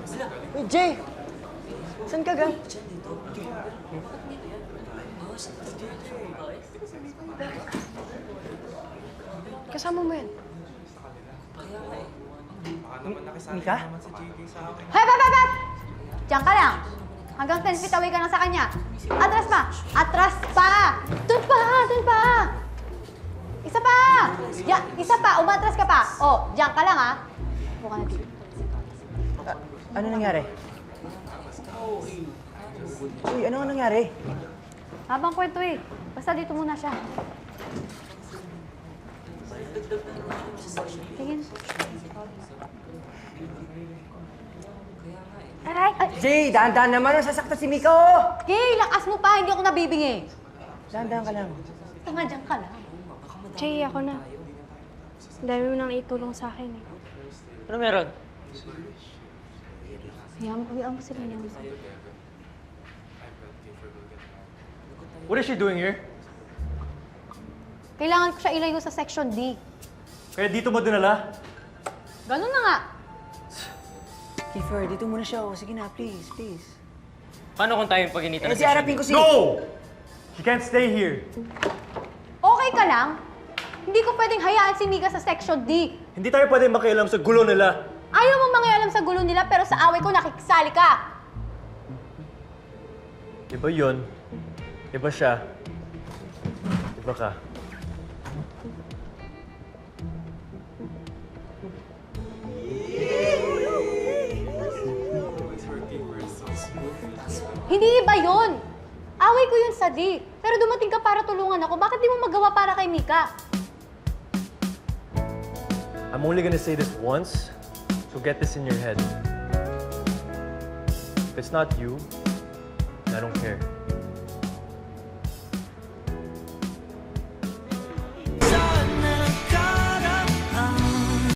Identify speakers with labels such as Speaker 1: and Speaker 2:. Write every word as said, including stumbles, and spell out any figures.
Speaker 1: Uy, Jay! Saan ka ga? Kasama mo yan.
Speaker 2: Mika?
Speaker 3: Hep, hep, hep, hep! Diyan ka lang. Hanggang ten feet away ka na sa kanya. Atras pa! Atras pa! Doon pa! Doon pa! Isa pa! Ya, isa pa! Umatras ka pa! Oh, diyan ka lang, ha? Buka na dito.
Speaker 2: Ah, ano nangyari? Uy, ano nga nangyari?
Speaker 3: Habang kwento eh. Basta dito muna siya. Tingin. Aray! Ay!
Speaker 2: Jay, daan-daan naman. Sasaktan si Mika, oh!
Speaker 3: Gay, lakas mo pa! Hindi ako nabibingi.
Speaker 2: Daan-daan ka lang.
Speaker 3: Tanga, diyan ka lang.
Speaker 4: Jay, ako na. Ang dami mo nang itulong sa akin eh.
Speaker 1: Ano meron?
Speaker 3: Hayaan mo, hayaan mo sila niya.
Speaker 5: What is she doing here?
Speaker 3: Kailangan ko siya ilayo sa Section D.
Speaker 5: Kaya dito mo dinala?
Speaker 3: Ganun na nga.
Speaker 2: Kiefer, dito muna siya, oh. Sige na, please, please.
Speaker 1: Paano kung tayo pag-initan
Speaker 2: Eh, si harapin ko si...
Speaker 5: No! She can't stay here.
Speaker 3: Okay ka lang? Hindi ko pwedeng hayaan si Mika sa Section D.
Speaker 5: Hindi tayo pwede makialam sa gulo nila.
Speaker 3: Ayaw mo mangialam sa gulo nila pero sa away ko nakikisali ka.
Speaker 5: Iba yun. Iba siya. Iba ka.
Speaker 3: Hindi iba yun. Away ko yun sa D. Pero dumating ka para tulungan ako. Bakit di mo magawa para kay Mika?
Speaker 5: I'm only gonna say this once, so get this in your head. If it's not you, I don't care.